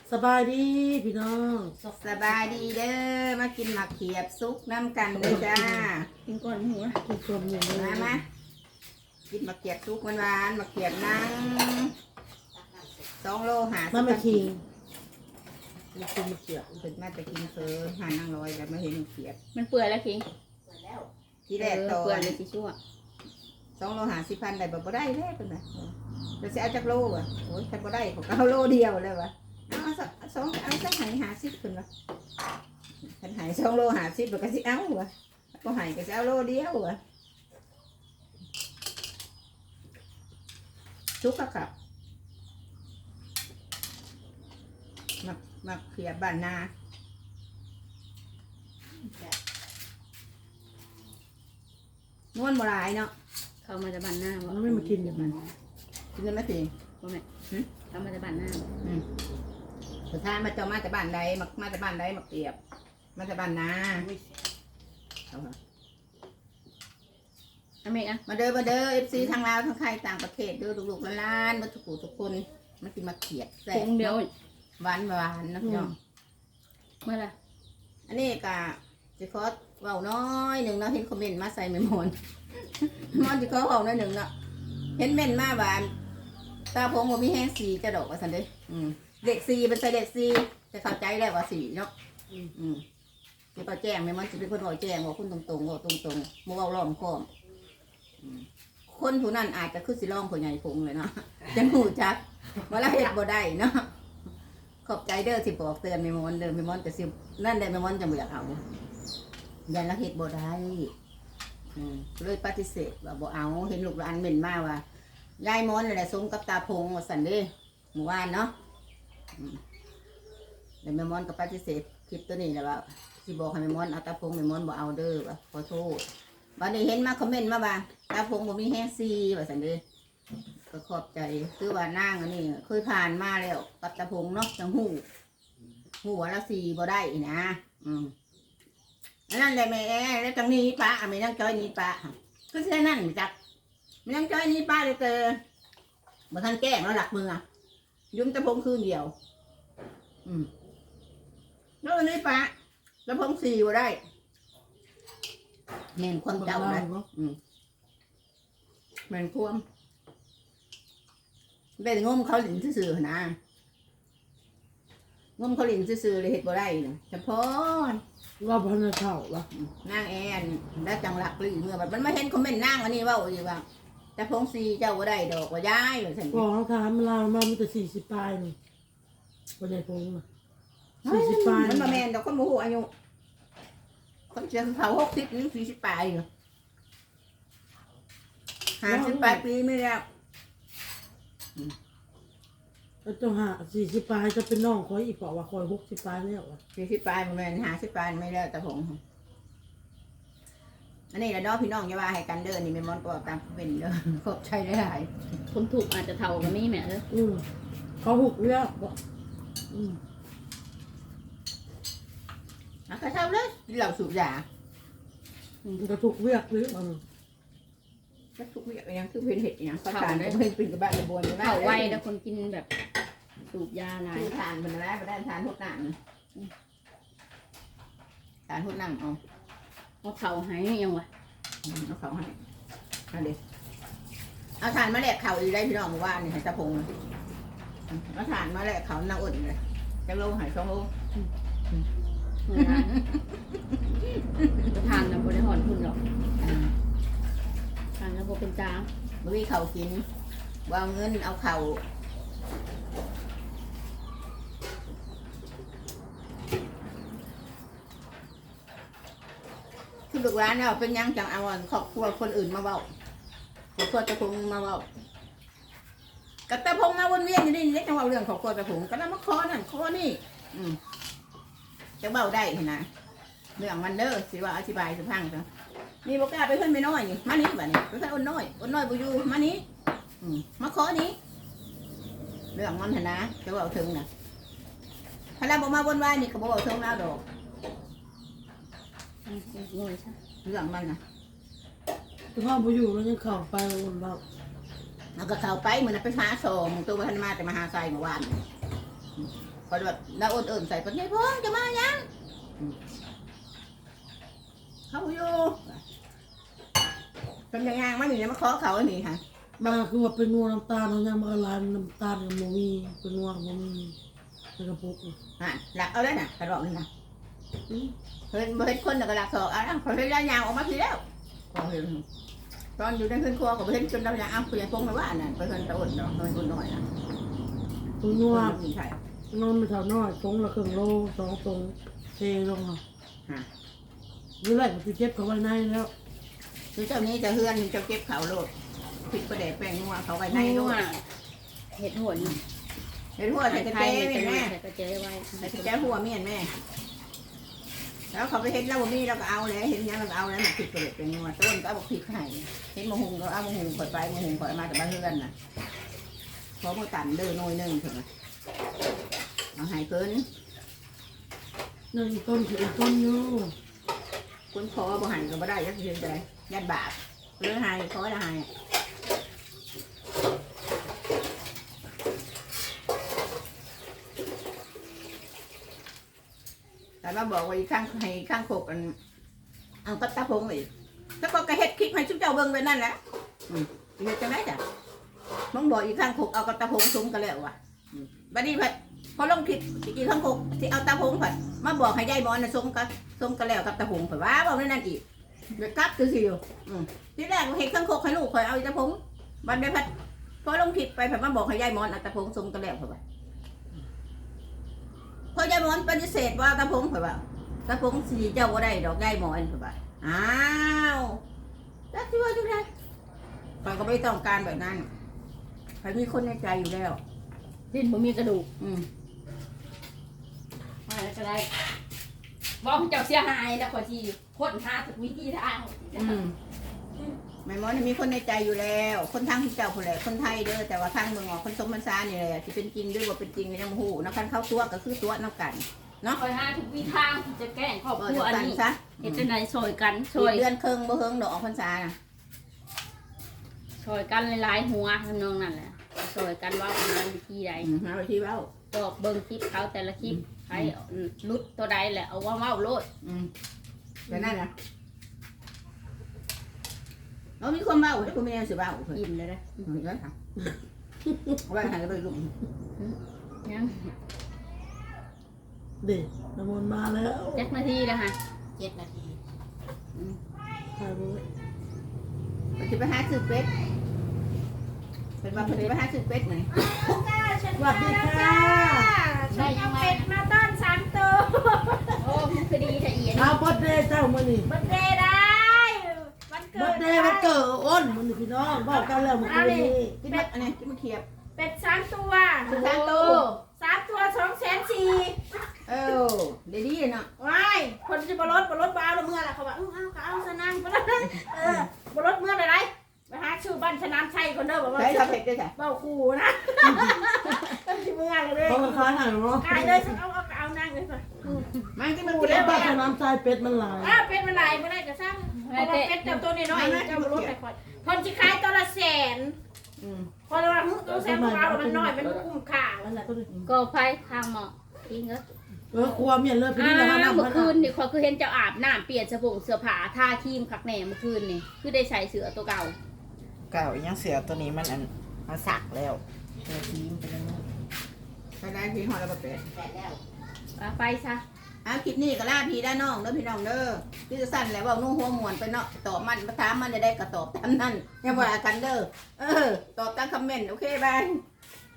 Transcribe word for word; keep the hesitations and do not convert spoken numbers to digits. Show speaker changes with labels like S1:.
S1: สบายดีพี่น้อง
S2: สบายดีเด้อมากินหมักเขียบซุกน้ำกันเลยจ้า
S3: กินก่อนหัว
S1: กินตัวหนึ่ง
S2: มามากินหมักเขียบซุกหวานๆหมักเขียบนั่งสองโลหา
S1: มันไม่คิง
S2: มากินหมักเขียบถึงมาจะกินเฟอหานั่งลอยแต่ไม่เห็นหมักเขียบ
S3: มันเปื่อยแล้วคิง
S2: ที่แรกตอ
S3: เปื่อย
S2: น
S3: เลยสิชั่ว
S2: สองโลหาสิพันได้แบบบ่ได้แล้วเป็นไงเราจะเอาจากโลอ่ะโอ้ยถ้าบ่ได้ผมก็เอาโลเดียวเลยวะเอาสองเอาสักหายหาสิบคนวะฉันหายสองโลหาสิบแล้วก็สิเอาวะก็หายก็จะเอาโลเดียววะชุกกะกับมามาเขียบบ้านนานวลโบราณเนาะ
S3: เข้ามาจะบันหน้าบ่
S1: มันไม่มากินอย่างนั้น
S2: กินได้ไหมสิ
S3: บ่แม่เข้ามาจะบันหน้า
S2: อืมสุดท้ายมาเจ้ามาจากบ้านใดมามาจากบ้านใดมาเขียบมาจากบ้านนาเอาค่ะ
S3: อเมริกะ
S2: มาเด้อมาเด้อเอฟซีทางลาวทางไทยต่างประเทศเด้อลูกๆล้านๆมาทุกผู้ทุกคนมากินมาเขียดแซ่บ
S3: เดียว
S2: หวานหวานนะพี่น้อง
S3: เมื่อไร
S2: อันนี้กะจะขอเว้าน้อยหนึ่งเนาะเห็นคอมเมนต์มาใส่เมมอนมอนจะขอเว้าน้อยหนึ่งเนาะเห็นเม่นมาหวานตาผมผมมีแห้งสีจะดอกว่าสันเด้อืมเด็กสีเป็นใส่เด็กสีจะเข้าใจแล้วว่าสีเนาะอืมจะไปแจ้งเมมอนจะเป็นคนบอกแจ้งว่าคุณตรงๆว่าตรงๆโมเว้าล้อมค้อมคนผู้นั้นอาจจะคือสิร้องผู้ใหญ่พงเลยเนาะจะหูจักว่าเราเฮ็ดบ่ได้เนาะขอบใจเด้อสิบอกเตือนเมมอนเด้อเมมอนจะสินั่นได้เมมอนจะบ่อยากเอายันเราเฮ็ดบ่ได้อืมเลยปฏิเสธว่าบ่เอาเห็นลูกหลานเม่นมาว่ายายมอนแหละสมกับตาพงว่าซั่นเด้เมื่อวานเนาะอืมแล้วเมมอนก็ปฏิเสธคลิปตัวนี้แหละว่าสิบอกให้เมมอนเอาตาพงเมมอนบ่เอาเด้อว่าขอโทษวันนี้เห็นมาคอมเมนต์มาว่าตาพงบ่มีแห้งซีว่าซั่นเด้ก็ขอบใจคือว่านางอันนี้เคยผ่านมาแล้วกับตาพงเนาะจังหู้หู้ว่าละซีบ่ได้นะอืมนั่นแหละแม่แล้วจังนี้ป้าไม่นั่งจ้อยนี้ป้าก็แค่นั้นจักไม่นั่งจ้อยนี้ป้าเลยเจอมาทันแก้งแล้วหลักมือยุ่มตะพงคืนเดียวอืมแล้ววันนี้ป้าตะพงสี่บ่ได้แม่นความเจ้านะอืมแม่นความเป็นงมเขาหลินซื่อๆนะงมเขาหลินซื่อๆเลยเห็ดบ่ได้นะเฉพาะ
S1: ว่าพันเท่าละ
S2: นางแอนแล้วจังหลักหรือเมื่อแบบมันไม่เห็นคอมเมนต์นางอันนี้ว่าอีว่าแต่พงซีเจ้าบ่ได้ดอกว่าย้ายเลยฉัน
S1: บอกเขาถามเรามามันจะสี่สิบปลายนี่วันไหนพงสี่สิบปลาย
S2: มันมาแมนดอกคนโมโหอายุคนเชียงเผาหกสิบนี่สี่สิบปลายอยู่ห้าสิบปลายปีไม่แล้ว
S1: แล้วต้องหาสี่สิบปลายจะเป็นน้องคอยอีกเปล่าว่าคอยหกสิบปลายแล้วอ่ะ
S2: สี่สิบปลายมันแมนห้าสิบปลายไม่แล้วแต่ผมอันนี้แหละน้องพี่น้องอย่าว่าให้กันเดินนี่ไม่มอนก็ตามเป็นเด้อขอบใจได้หลาย
S3: คนถูกอาจจะเท่ากันนี่แม่เด้อ
S1: อืมเขาหุกเลือกบอกอืม
S2: อ่ะก็เท่าเลยเหล่าสูบยา
S1: ก็ถูกเลือกหรือมัน
S2: ก็ทุกอย่างยังคือเป็นเห็ดอย่างเขาทานได้เพิ่งเป็นกระบะกระบวน
S3: เท่าไวแล้วคนกินแบบสูบยาหลาย
S2: ทานเป็นอะไรไปได้ทานทุกหนังทานทุกหนังเอา
S3: เอาเข่าให้ยังวะ
S2: เอาเข่าให้เอาเด็กเอาทานมาแหลกเข่าอีได้พี่น้องว่านี่ให้ตะพงเอาทานมาแหลกเข่าหน้าอุ่นเลยจะโลหายสองโล
S3: จะทานนะบริหารคุณหรอกทานแล้วโบเป็นจ้า
S2: บ่มีเข่ากินวางเงินเอาเข่าคือลูกร้านเนี่ยเป็นยังจังเอาครอบครัวคนอื่นมาเว้าครอบครัวตะพงมาเว้ากับตะพงมาวนเวียนอยู่นี่เล็กจังเว้าเรื่องครอบครัวตะพงก็แล้วมาคอนั่นคอนี่อืมจะเว้าได้เห็นนะเรื่องมันเด้อสิว่าอธิบายสุพังจ้ะนี่บอกกล้าไปขึ้นไปน้อยนี่มานี้แบบนี้ไปขึ้นอ้นน้อยอ้นน้อยบุยูมานี้อืมมาขอนี้เรื่องมันเห็นนะจะเว้าถึงนะพลังบอกมาบนว่านี่เขาบอกถึงแล้วดอกเรื่องมันนะ
S1: ถ้าพ่อไปอยู่แล้วยังเข่าไปวนเรา
S2: แล้วก็เข้าไปเหมือนไปหาส่งตัวพันมาแต่มาหาใส่เมื่อวานพอแบบน้าอ้นเอิ่มใส่ปัญญาพงจะมายังเขาอยู่เป็นยังไงมาหนีมาขอเขาอันนี้ค่ะ
S1: มาคือว่าเป็นนัวน้ำตาลเขายังมาละลายน้ำตาลกับโมมีเป็นนัวกับโมมีเป็นกระปุก
S2: อ่ะหลักเอาได้น่ะกระบอกนี่นะเห็นเห็นคนน่ะก็หลักสองอ่ะเขาเห็นยายาวออกมาทีแล้วก็เห็นตอนอยู่ในขึ้นครัวก็เห็นจนเราอยากเอาคุยพงมาว่านั่นไปเห็นตะอุ่นเนาะเห็นอุ่นหน่อยนะ
S1: ตัวนัว
S2: มีใช่
S1: นอนไม่เท่าน้อยตรงละครึ่งโลสองตรงเทลงอ่ะ
S2: ฮะ
S1: นี่แหละคือเจ็บเขาไว้ในแล้ว
S2: คือเจ้านี้จะเฮือนจะเก็บเขาโลดพริกประเดะแป้งนัวเขาไว้ใน
S3: ใน
S2: โล
S3: นู่
S2: ด
S3: นเห็ดหัวนี่
S2: เห็นหัวใส่กระ
S3: ไท
S2: เจ๊
S3: ย
S2: แม่
S3: ใส่กระเจี๊ยบไว้
S2: ใส่กระเจ๊หัวเมียนแม่แล้วเขาไปเห็นเราบ่มีเราก็เอาเลยเห็นยังเราก็เอาแล้วมันพริกประเดะแป้งนัวต้นก็เอาพริกไห้เห็นมะฮุงก็เอามะฮุงข่อยไปมะฮุงข่อยมาแต่บ้านเฮือนน่ะพอมาตันเดินหน่อยนึงถึงเอาหายเกิน
S1: นั่นต้นคือต้นอยู่
S2: คนคอบ่หันก็บ่ได้ยักเยืนใจยันบาปเรื่องหายคอละหายแต่มาบอกว่าอีกข้างให้ข้างโคกอันเอาก็ตาพงอีกถ้าก็กระเฮ็ดคลิปให้ชุบเจ้าเบิ่งไปนั่นแหละอืมเฮ็ดจังได๋จ้ะมึงบอกอีกข้างโคกเอากระตาพงซุ้มกันแล้วว่ะอืมบัดนี้เพิ่นพอลงคลิปอีกข้างโคกสิเอาตาพงเพิ่นมาบอกให้ยายหมอนน่ะซุ้มกันซุ้มกันแล้วกับตาพงเพิ่นว่าบ่แม่นนั่นอีกเดี๋ยวกลับคือสิอยู่อืมทีแรกเฮ็ดข้างโคกให้ลูกข่อยเอาอีตาพงบัดนี้เพิ่นพอลงคลิปไปเพิ่นมาบอกให้ยายหมอนเอาตาพงซุ้มกันแล้วเพิ่นว่าพอยายหมอนปฏิเสธว่าตาพงเพิ่นว่าตาพงสิเจ้าบ่ได้ดอกยายหมอนเพิ่นว่าอ้าวจักสิว่าจังได๋ข่อยก็ไม่ต้องการแบบนั้นข่อยมีคนในใจอยู่แล้ว
S3: ดิ้นบ่มีกระดูก
S2: อืม
S3: อะไรก็ได้บอกเจ้าเสียหายแล้วขอทีคนหาทุกวิธีทาง
S2: อืมแม่หมอนี่มีคนในใจอยู่แล้ว คนทางที่เจ้าคนแหละคนไทยเด้อแต่ว่าทางเมืองออกคนสมบัญชานี่แหละที่เป็นจริงด้วยว่าเป็นจริงในยังหูนักการเข้าตัวก็คือตัวนักกันเนาะ
S3: คอยหาทุกวิธีทางที่จะแก้งครอบ
S2: เอ
S3: ค
S2: อ
S3: รัว
S2: เดียว
S3: อัน
S2: กัน
S3: นี้
S2: ซะ
S3: เห็นจังไดช่วยกัน
S2: ช่
S3: ช่
S2: ว
S3: วย ย
S2: เดือนครึ่งบ่เฮิงดอกออกพรรษาน่ะ
S3: ช่วยกันหลายๆหัวทำนองนั่นแหละช่วยกันว่าประมาณวิธีใด
S2: อืมหาวิธีเว้า
S3: บอกเบิ่งคลิปเขาแต่ละคลิปใครลุดตัวใดแหละเอาว่าเว้าโลด
S2: อืมแต่นั่นน่ะเรามีคนเว้าแต่คุณไม่ได้สิเว้าเพิ่น
S3: อิ่มเลยนะ
S2: อืมเด้อค่ะเอาไว้ให้ไปลูก
S3: ยัง
S1: เด็กน้ำมันมาแล้ว
S3: เจ็ดนาทีแล้วฮะ
S2: เจ็ดนาที
S1: ถ่ายไว้
S2: มันจะไปหาซื้อเป็ดเป็นว่าเพิ่นจะไปหาซื้อเป็ดไหม
S1: สวัสดีค่ะ
S3: ได้ยังไง
S4: เป็ดมาต้อนสามตัว
S3: โอ้มันคือดีแต่เอียน
S1: เอาบดเดย์เจ้ามือนี่
S4: บันเดย์ได้วันเกิ
S1: บ
S4: ด
S1: ดเดย์มันเกิดอ้นมือนี่พี่น้องบอกกันแล้วเมื่อคืนนี้
S2: กินเป็ดอันนี้กินมะเขียบ
S4: เป็ดสามตัว
S2: สามตัว
S4: สามตัวสองแสนสี่
S2: เออเดี๋ยวดีเนาะ
S4: ว้ายคนจะบรถบรถบ้าเอาเมื่อละเขาบอกเออเอาก็เอาสนามก็ได้เออบรถเมื่อไรไปหาชื่อบ้านสนามชัยคนเด้อบอกว่า
S2: ใช้ทำเป็ดด้วยจ้ะ
S4: เบ้าคูนะต้องชิเมื่อเลย
S1: เขาก็ค้ายหายเนาะ
S4: กายเลยเอาเอาเอานั่งเลยก่อน
S2: มันที่มัน
S1: กู
S2: กิน
S1: ได้
S2: แล้ว
S1: บ้า
S2: บ้าน
S1: น้ำใจเป็ดมันหลาย
S4: อ้าวเป็ดมันไหลไม่ได้จะสร้างเพราะว่าเป็ดเจ้าตัวน้อยๆเจ้าบรถไปก่อนคนจะขายตัวละแสน
S2: อืม
S4: พอเราว่าตัวแสนของเรามันน้อยมันคุ้มค่า
S1: อันนั้นก็ได้
S3: ก็ไฟทางหมอกทิ้งเอ้
S1: เออครัวเมียนเลยพี่
S3: อ้า
S1: นี่แหละ
S3: ว
S1: น้ำ
S3: เมื่
S1: มั
S3: อน คืนนี่ขอยคือเห็นเจ้าอาบน้ำเปลี่ยนเสื้อผงเสื้อผ้าทาครีมคักแหน่เมื่อคืนนี่คือได้ใส่เสื้อตัวเก่า
S5: เก่ายังเสือตัวนี้มันอันมาสักแล้วเธอทีมไปแล้วนู่น
S2: ใช้ได้พี่หอแล้วเป็ด
S3: ว่าไปซะ
S2: เอาคลิปนี้ก็ล่าพี่ได้น้องเด้อพี่น้องเด้อพี่จะสั้นแหละว่านุ่งหัวหมวนไปเนาะตอบมันมาถามมันจะได้ก็ตอบตามนั้นอย่าว่ากันเด้อเออตอบตามคอมเมนต์โอเคบาย